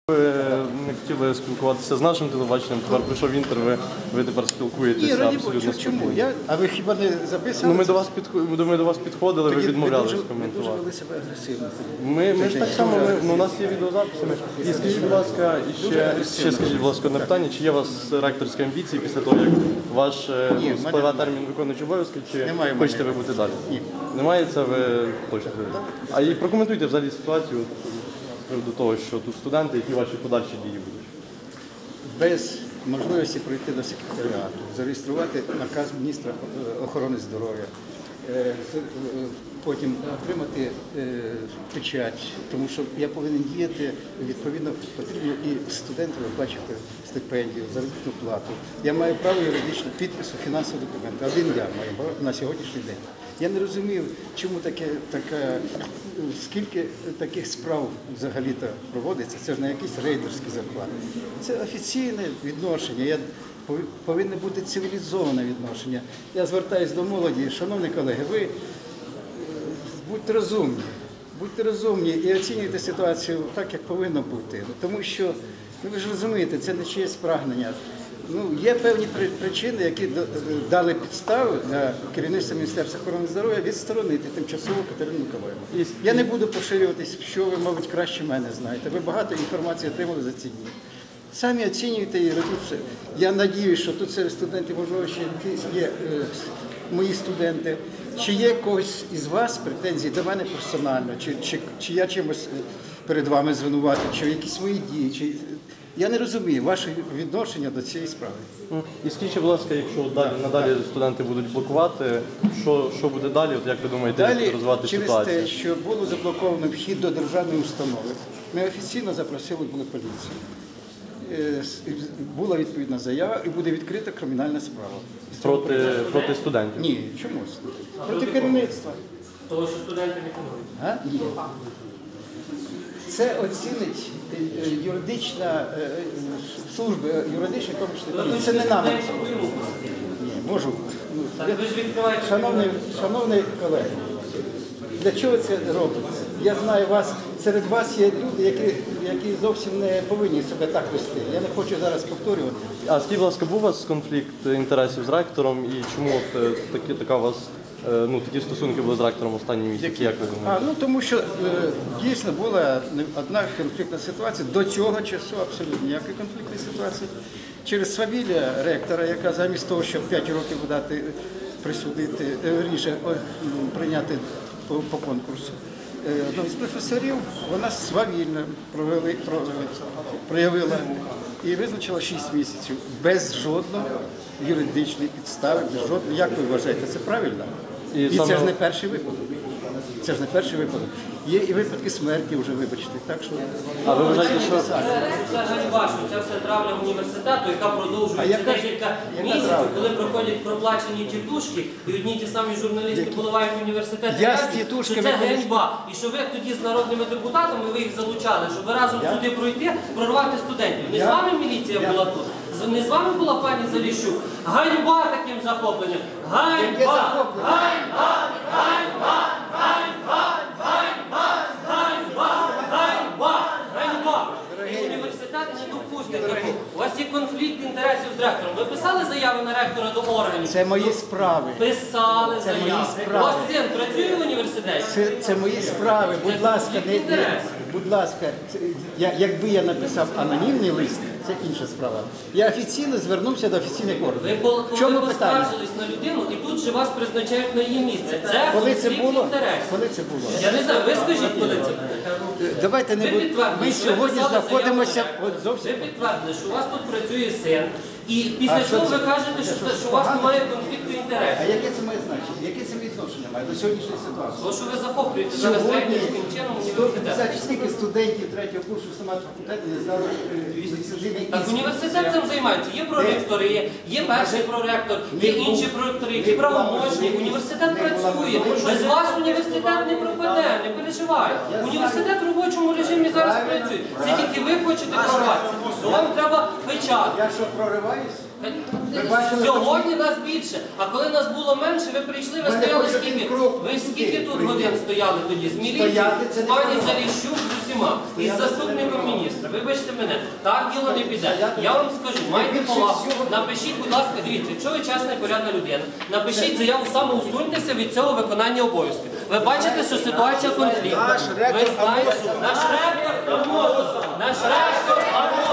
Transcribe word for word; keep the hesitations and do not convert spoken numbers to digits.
Ви не хотіли спілкуватися з нашим телебаченням, тепер прийшов інтер, ви, ви тепер спілкуєтеся Ні, раді абсолютно Бога, чому? Я, а ви хіба не записували? Ну, ми, до вас підход... ми до вас підходили, ви відмовлялись Ви коментувати. дуже вели себе агресивно. Ми, ми ж так само, ми, ну, у нас є відеозаписи. Ми... І скажіть, будь ласка, і ще, ще скажіть, будь ласка, одне питання, чи є у вас ректорські амбіції після того, як ваш Ні, ну, спливе термін виконуючий обов'язки, чи Немає в хочете мене. ви бути далі? Ні. Немає, це ви точно говорите. А і прокоментуйте взагалі ситуацію з приводу того, що тут студенти, які ваші подальші дії будуть. Без можливості прийти до секретаріату, зареєструвати наказ міністра охорони здоров'я, потім отримати печать, тому що я повинен діяти, відповідно, потрібно і студентам виплачувати стипендію, заробітну плату. Я маю право юридичного підпису фінансового документу. Один я маю право на сьогоднішній день. Я не розумів, чому таке, таке, скільки таких справ взагалі-то проводиться. Це ж не якісь рейдерські захвати. Це офіційне відношення. Я повинне бути цивілізоване відношення. Я звертаюся до молоді. Шановні колеги, ви будьте розумні, будьте розумні і оцінюйте ситуацію так, як повинно бути. Тому що, ну, ви ж розумієте, це не чиєсь прагнення. Ну, є певні причини, які дали підстави для керівництва Міністерства охорони здоров'я відсторонити тимчасово Катерину Миколаївну. Я не буду поширюватись, що ви, мабуть, краще мене знаєте. Ви багато інформації отримали за ці дні. Самі оцінюєте і робіть. Я сподіваюся, що тут серед студентів, можливо, ще є е, мої студенти. Чи є когось із вас претензій до мене персонально, чи, чи, чи я чимось перед вами звинуватив, чи якісь свої дії, чи... Я не розумію ваше відношення до цієї справи. І скажіть, будь ласка, якщо далі, надалі студенти будуть блокувати, що, що буде далі? От як ви думаєте, далі, розвивати через ситуацію? те, що було заблоковано вхід до державної установи, ми офіційно запросили були поліцію. Була відповідна заява і буде відкрита кримінальна справа. Проти, проти студентів? Ні, чому? Проти керівництва. Того, що студенти не планують? Ні. Це оцінить юридична служба, юридична комісія. Це не нами. Ні, можу. Шановні, шановні колеги, для чого це робиться? Я знаю вас, серед вас є люди, які, які зовсім не повинні себе так вести. Я не хочу зараз повторювати. А скажіть, будь ласка, був у вас конфлікт інтересів з ректором і чому от, такі, така у вас, ну, такі стосунки були з ректором останні місяці, як ви думаєте? А, ну, тому що е, дійсно була одна конфліктна ситуація, до цього часу абсолютно ніякої конфліктної ситуації. Через свавілля ректора, яка замість того, щоб п'ять років дати присудити, верніше, прийняти по, по конкурсу, одного з професорів, вона свавільно провели, проявила і визначила шість місяців без жодної юридичної підстави, без жодної. Як ви вважаєте, це правильно? І, і саме... це ж не перший випадок. Це ж не перший випадок. Є і випадки смерті вже, вибачте. Так що... А ви вважаєте, що... Це ганьба, що це все травля університету, яка продовжується декілька місяців, коли проходять проплачені тітушки, і одні ті самі журналісти поливають університет. Я що це ганьба. І що ви тоді з народними депутатами, ви їх залучали, щоб разом Я... сюди пройти, прорвати студентів. Не Я... з вами міліція Я... була тут. Не з вами була пані Заліщук. Ганьба таким захопленням. Ганьба! Ганьба! Ганьба! Ганьба! Ганьба! Ганьба! Ганьба! Ганьба! Університет не допустить такого. У вас є конфлікт інтересів з ректором. Ви писали заяви на ректора до органів? Це мої справи. Писали це заяви. Мої справи. У вас син працює в університеті? Це, це мої справи. Будь ласка, не, не, будь ласка, це, я, якби я написав анонімний лист, це інша справа. Я офіційно звернувся до офіційних органів. Ви коли поскаржились на людину і тут же вас призначають на її місце. Це коли це було? інтересів. Коли це було? Я не знаю, ви скажіть, коли це було. Давайте не будемо. Ми сьогодні знаходимося от зовсім. Ви підтвердили, що у вас тут працює син. І після цього ви кажете, що, це, що у вас немає конфлікту А інтересів. яке це має значення? Яке це відношення має до сьогоднішньої ситуації? Тому що ви захоплюєте зараз технічним чином університет. Скільки студентів третього курсу стомат факультету не знали візитивні. Так університет цим займається. Є проректори, є, є перший проректор, є інші проректори, які правомочні. Університет працює. Без вас університет не пропаде, не переживай. Університет в робочому режимі зараз працює. Це тільки ви хочете прорватися. То вам треба печати. Я що, прориваюсь? Сьогодні нас більше, а коли нас було менше, ви прийшли, ви стояли скільки? Ви скільки тут годин стояли тоді? З міліцією, з пані Заліщук, з усіма? усіма, із заступником міністра. Вибачте мене, так діло не піде. Я вам скажу, майте повагу, напишіть, будь ласка, дивіться, якщо ви чесна і порядна людина, напишіть заяву, самоусуньтеся від цього виконання обов'язків. Ви бачите, що ситуація конфліктна. Ви знаєте, наш ректор Амосов, наш ректор Амосов.